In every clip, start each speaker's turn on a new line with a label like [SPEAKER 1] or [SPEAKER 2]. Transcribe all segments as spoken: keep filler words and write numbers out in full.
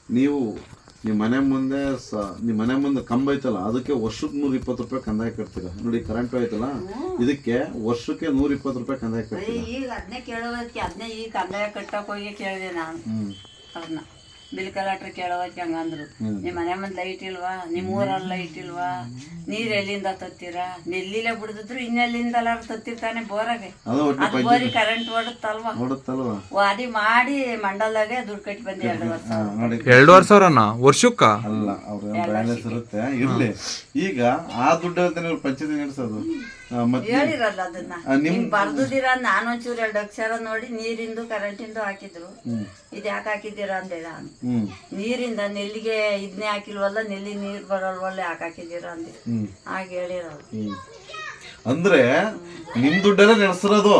[SPEAKER 1] ನೀವು ನಿಮ್ಮ ಮನೆ ಮುಂದೆ ಸ ನಿಮ್ಮ ಮನೆ ಮುಂದೆ ಕಂಬ ಐತಲ್ಲ ಅದಕ್ಕೆ ವರ್ಷಕ್ಕೆ ನೂರ ಇಪ್ಪತ್ತು ರೂಪಾಯಿ ಕಂದಾಯ ಕಟ್ತೀರಾ ನೋಡಿ. ಕರೆಂಟ್ ಐತಲ್ಲ ಇದಕ್ಕೆ ವರ್ಷಕ್ಕೆ ನೂರ ಇಪ್ಪತ್ತು ರೂಪಾಯಿ ಕಂದಾಯ ಕಟ್ತೀರಾ.
[SPEAKER 2] ಈಗ ಅದನ್ನೇ ಕೇಳೋದಕ್ಕೆ ಅದನ್ನೇ ಈಗ ಕಂದಾಯ ಕಟ್ಟಕ್ಕೆ ಹೋಗಿ ಕೇಳಿದೆ ನಾನು ಅವ್ರನ್ನ. ಬಿಲ್ ಕಲೆಕ್ಟ್ರ್ ಕೇಳೋದಕ್ಕೆ ಹಂಗಂದ್ರು, ನಿಮ್ಮ ಮನೆ ಮುಂದೆ ಲೈಟ್ ಇಲ್ವಾ, ನಿಮ್ಮ ಊರಲ್ಲಿ ಲೈಟ್ ಇಲ್ವಾ, ನೀರ್ ಎಲ್ಲಿಂದ ತತ್ತೀರಾ, ನೆಲ್ಲಿಲೆ ಬಿಡಿದ್ರು ಇನ್ನೆಲ್ಲಿಂದ ಎಲ್ಲಾರು ತತ್ತಿರ್ತಾನೆ ಬೋರಾಗೆ, ಅದು ಬೋರಿ ಕರೆಂಟ್ ಓಡುತ್ತಲ್ವಾ,
[SPEAKER 1] ನೋಡುತ್ತಲ್ವಾ
[SPEAKER 2] ವಾದಿ ಮಾಡಿ ಮಂಡಲ್ದಾಗೆ ದುಡ್ಡು ಕಟ್ಟಿ ಬಂದೆ ಎರಡು ವರ್ಷ.
[SPEAKER 3] ಎರಡೂವರೆ ಸಾವಿರನ ವರ್ಷಕ್ಕ
[SPEAKER 1] ಅಲ್ಲ ಅವ್ರ ಬ್ಯಾಲೆನ್ಸ್ ಇರುತ್ತೆ ಇರ್ಲಿ. ಈಗ ಆ ದುಡ್ಡು ಅಂತ ನೀವು ಪಂಚಾಯತಿ ನಡೆಸೋದು
[SPEAKER 2] ಹೇಳಿರಲ್ಲ ಅದನ್ನ ನಿಮ್ ಬರ್ದಿರ. ನಾನು ಒಂಚೂರು ಎರಡು ಅಕ್ಷರ ನೋಡಿ ನೀರಿಂದು ಕರೆಂಟಿಂದು ಹಾಕಿದ್ರು. ಇದ್ ಯಾಕೆ ಹಾಕಿದ್ದೀರಾ ಅಂದೆ ನಾನು. ನೀರಿಂದ ನೆಲ್ಲಿಗೆ ಇದನ್ನೇ ಹಾಕಿಲ್ವಲ್ಲ, ನೆಲ್ಲಿ ನೀರ್ ಬರೋಲ್ವಲ್ಲ, ಯಾಕೆ ಹಾಕಿದ್ದೀರಾ ಅಂದೆ. ಹಾಗೆ ಹೇಳಿರೋದು.
[SPEAKER 1] ಅಂದ್ರೆ ನಿಮ್ ದುಡ್ಡಲ್ಲೇ ನಡೆಸಿರೋದು.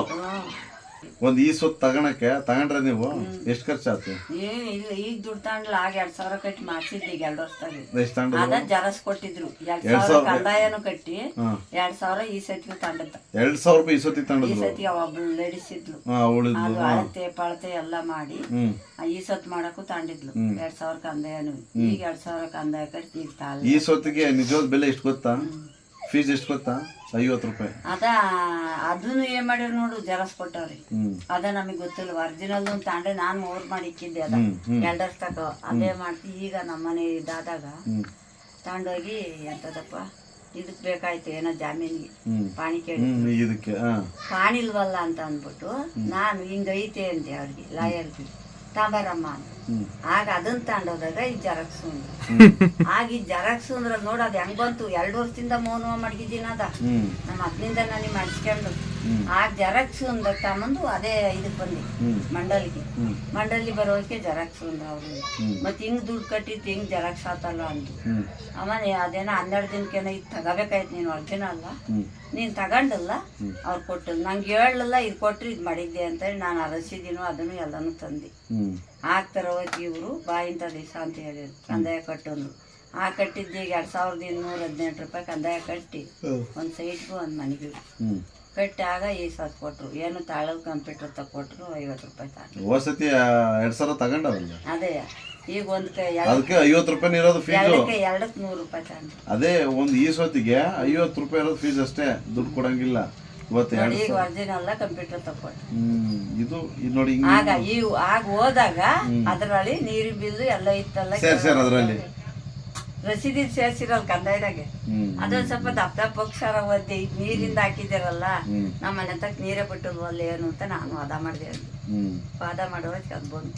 [SPEAKER 1] ಒಂದ್ ಈ ಸೊತ್ತು ತಗೊಳಕ್ಕೆ ತಗೊಂಡ್ರೆ ನೀವು ಎಷ್ಟು ಖರ್ಚಾಯ್ತು?
[SPEAKER 2] ಏನ್ ಇಲ್ಲ, ಈಗ ದುಡ್ಡು ತಗೊಂಡ್ಲ ಆಗ ಎರಡ್ ಸಾವಿರ ಕಟ್ಟಿ ಮಾಡ್ಸಿದ್ದೆ ಈಗ ಎರಡು ವರ್ಷದಾಗ.
[SPEAKER 1] ಅದ
[SPEAKER 2] ಅದ ಜರಸ್ ಕೊಟ್ಟಿದ್ರು ಎರಡ್ ಸಾವಿರ ಕಂದಾಯನು ಕಟ್ಟಿ ಎರಡ್ ಸಾವಿರ ಈ ಸತಿಗೆ ತಂಡದ.
[SPEAKER 1] ಎರಡ್ ಸಾವಿರ ರೂಪಾಯಿ ಈ ಸತಿ
[SPEAKER 2] ಈ
[SPEAKER 1] ತಗೊಂಡಿದ್ರು.
[SPEAKER 2] ಸತಿ ಒಬ್ಳು ಲೇಡೀಸ್ ಇದ್ಲು, ಅದು ಅಳತೆ ಪಳತೆ ಎಲ್ಲ ಮಾಡಿ ಈ ಸತ್ ಮಾಡಕ್ಕೂ ತಂಡಿದ್ಲು ಎರಡ್ ಸಾವಿರ ಕಂದಾಯನು. ಈಗ ಎರಡ್ ಸಾವಿರ ಕಂದಾಯ ಕಟ್ಟಿ ಈಗ ತಾಳ.
[SPEAKER 1] ಈ ಸೊತ್ತಿಗೆ ನಿಜವಾದ ಬೆಲೆ ಎಷ್ಟು ಗೊತ್ತಾ? ಫೀಸ್ ಎಷ್ಟು ಗೊತ್ತಾ? ಐವತ್ತು ರೂಪಾಯಿ.
[SPEAKER 2] ಅದ ಅದನ್ನು ಏನ್ ಮಾಡ್ಯಾರ ನೋಡು, ಜರಸ್ ಕೊಟ್ಟವ್ರಿ. ಅದ ನಮಗ್ ಗೊತ್ತಿಲ್ಲ. ಒರಿಜಿನಲ್ ತಾಂಡ್ರೆ ನಾನ್ ಮೂರ್ ಮಾಡಿ ಇಕ್ಕಿದ್ದೆ ಅದ ಎರಡ್ ವರ್ಷ ತಕ. ಅದೇ ಮಾಡ್ತಿ. ಈಗ ನಮ್ಮನೆ ಇದಾದಾಗ ತಗೊಂಡೋಗಿ ಎಂತದಪ್ಪ ಇದಕ್ ಬೇಕಾಯ್ತು ಏನೋ ಜಾಮೀನಿಗೆ ಪಾಣಿ ಕೇಳಿ,
[SPEAKER 1] ಇದಕ್ಕೆ
[SPEAKER 2] ಪಾಣಿ ಇಲ್ವಲ್ಲ ಅಂತ ಅಂದ್ಬಿಟ್ಟು ನಾನು ಹಿಂಗ ಐತೆ ಅಂದೆ ಅವ್ರಿಗೆ ಲಾಯರ್ಗೆ, ತಾಂಬಾರಮ್ಮ ಅಂತ. ಆಗ ಅದನ್ನ ತಗೊಂಡೋದಾಗ ಈ ಜರಾಕ್ಸ್ ಆಗ ಈ ಜರಾಕ್ಸ್ ಅಂದ್ರ ನೋಡ ಅದ್ ಹೆಂಗ್ ಬಂತು. ಎರಡು ವರ್ಷದಿಂದ ಮೌನ ಮಡಗಿದ್ದೀನಿ ಅದ ನಮ್ಮ ಅದ್ನಿಂದ ನನಗೆ ಮಾಡಿಸ್ಕೊಂಡು. ಆಗ ಜರಾಕ್ಸ್ ಅಂದ ತಗೊಂಡು ಅದೇ ಇದಕ್ ಬಂದಿ ಮಂಡಲಿಗೆ. ಮಂಡಲಿ ಬರೋಕೆ ಜರಾಕ್ಸ್ ಅಂದ್ರ ಅವ್ರು. ಮತ್ ಹಿಂಗ್ ದುಡ್ಡು ಕಟ್ಟಿತ್ತು ಹಿಂಗ್ ಜರಾಕ್ಸ್ ಆತಲ್ಲ ಅಂದ್ರು. ಆಮೇಲೆ ಅದೇನೋ ಹನ್ನೆರಡು ದಿನಕ್ಕೇನೋ ಇದು ತಗೋಬೇಕಾಯ್ತು ನೀನು ಒರಿಜಿನಲ್ ನೀನ್ ತಗೊಂಡಲ್ಲ ಅವ್ರು ಕೊಟ್ಟು ನಂಗೆ ಹೇಳಲ್ಲ, ಇದು ಕೊಟ್ರಿ ಇದು ಮಾಡಿದ್ದೆ ಅಂತೇಳಿ ನಾನು ಅರಸಿದೀನೋ ಅದನ್ನು ಎಲ್ಲಾನು ತಂದೆ. ಆಗ್ತಾರ ಹೋಗಿ ಇವರು ಬಾಯಿಂತ ದಿವಸ ಅಂತ ಹೇಳಿದ್ರು ಕಂದಾಯ ಕಟ್ಟಂದ್ರು. ಆ ಕಟ್ಟಿದ್ದ ಈಗ ಎರಡ್ ಸಾವಿರದ ಇನ್ನೂರ ಹದಿನೆಂಟು ರೂಪಾಯಿ ಕಂದಾಯ ಕಟ್ಟಿ ಒಂದ್ ಸೈಟ್ಗೂ ಒಂದ್ ಮನೆಗೂ ಕಟ್ಟಿ ಆಗ ಈ ಸತ್ ಕೊಟ್ರು. ಏನು ತಾಳದ ಕಂಪ್ಯೂಟರ್ ತಕೊಟ್ರು ಐವತ್ತು ರೂಪಾಯಿ ತಗೊಂಡು.
[SPEAKER 1] ವಸತಿ ಎರಡ್ ಸಾವಿರ ತಗೊಂಡವಲ್ಲ.
[SPEAKER 2] ಅದೇ ಈಗ ಒಂದ್
[SPEAKER 1] ಅದಕ್ಕೆ ಐವತ್ತು ರೂಪಾಯಿ ಇರೋದು ಫೀಸ್.
[SPEAKER 2] ಎರಡಕ್ಕೆ ನೂರು ರೂಪಾಯಿ ತಗೊಂಡು.
[SPEAKER 1] ಅದೇ ಒಂದ್ ಈ ಸೊತ್ತಿಗೆ ಐವತ್ತು ರೂಪಾಯಿ ಇರೋದು ಫೀಸ್ ಅಷ್ಟೇ, ದುಡ್ಡು ಕೊಡಂಗಿಲ್ಲ.
[SPEAKER 2] ಈಗ ಒರಿಜಿನಲ್ ಕಂಪ್ಯೂಟರ್ ತಕೊಟ್ರು.
[SPEAKER 1] ಇದು ನೋಡಿ
[SPEAKER 2] ಆಗ ಈ ಆಗ ಹೋದಾಗ ಅದ್ರಲ್ಲಿ ನೀರಿನ ಬಿಲ್ಲು ಎಲ್ಲ ಇತ್ತಲ್ಲ,
[SPEAKER 1] ಅದ್ರಲ್ಲಿ
[SPEAKER 2] ರಸೀದಿ ಸೇರ್ಸಿರಲ್ಲ ಕಂದಾಯದಾಗೆ. ಅದೊಂದ್ ಸ್ವಲ್ಪ ದಪ್ಪ ದಪ್ಪ ಅಕ್ಷರ ಓದಿ ನೀರಿಂದ ಹಾಕಿದಿರಲ್ಲ, ನಮ್ಮ ಮನೆ ತಕ್ಕ ನೀರೇ ಬಿಟ್ಟಲ್ವಲ್ಲ ಏನು ಅಂತ ನಾನು ವಾದ ಮಾಡಿದೆ. ವಾದ ಮಾಡುವಾಗ ಅದ್ ಬಂತು.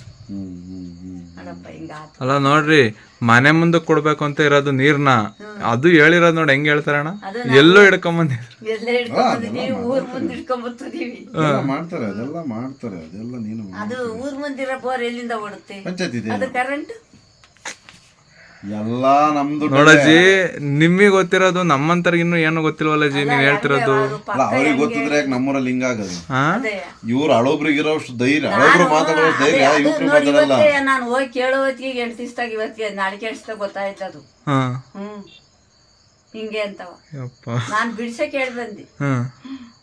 [SPEAKER 3] ಅಲ್ಲ ನೋಡ್ರಿ, ಮನೆ ಮುಂದೆ ಕೊಡ್ಬೇಕು ಅಂತ ಇರೋದು ನೀರ್ನ, ಅದು ಹೇಳಿರೋದು ನೋಡಿ ಹೆಂಗ್ ಹೇಳ್ತಾರಣ್ಣ, ಎಲ್ಲೋ ಹಿಡ್ಕೊಂಬಂದಿ
[SPEAKER 2] ಎಲ್ಲ ಹಿಡ್ಕೊಂಡ್ಬಂದಿದೀವಿ, ಊರ್ ಮುಂದೆ ಹಿಡ್ಕೊಂಡ್ಬರ್ತಿದೀವಿ.
[SPEAKER 1] ಮಾಡ್ತಾರೆ ಅದೆಲ್ಲ ಮಾಡ್ತಾರೆ ಅದೆಲ್ಲ. ನೀನು
[SPEAKER 2] ಅದು ಊರ್ ಮುಂದಿರೋ ಬೋರ್ ಎಲ್ಲಿಂದ ಓಡುತ್ತೆ?
[SPEAKER 1] ಪಂಚಾಯತ್
[SPEAKER 2] ಅದು ಕರೆಂಟ್
[SPEAKER 1] ಎಲ್ಲಾ ನಮ್ದು
[SPEAKER 3] ನೋಡಜ್ಜಿ. ನಿಮಗೆ ಗೊತ್ತಿರೋದು ನಮ್ಮಂತರ್ಗ ಇನ್ನು ಏನು ಗೊತ್ತಿಲ್ವಲ್ಲ ಜಿ, ನೀವ್ ಹೇಳ್ತಿರೋದು.
[SPEAKER 1] ಅವ್ರಿಗೆ ಗೊತ್ತಿದ್ರೆ ನಮ್ಮೂರಲ್ಲಿ ಹಿಂಗಾಗದು. ಇವ್ರು ಹಳೊಬ್ರಿಗಿರೋಷ್ಟು ಧೈರ್ಯ, ಹಳೊಬ್ರು ಮಾತಾಡೋ ಧೈರ್ಯ ಇವ್ರು ಮಾತಾಡಲ್ಲ.
[SPEAKER 2] ನಾನು ಹೋಗಿ ಕೇಳೋ ಹೊತ್ತಿಗೆ ಎಂಟು ದಿವಸದಾಗ ಇವತ್ತಿಗೆ ನಾಳೆ ಕೇಳಿಸ್ದಾಗ ಗೊತ್ತಾಯ್ತದು. ಹ್ಮ್ ಹಿಂಗೆ ಅಂತವ. ನಾನ್ ಬಿಡ್ಸಕ್ ಹೇಳ್ ಬಂದಿ.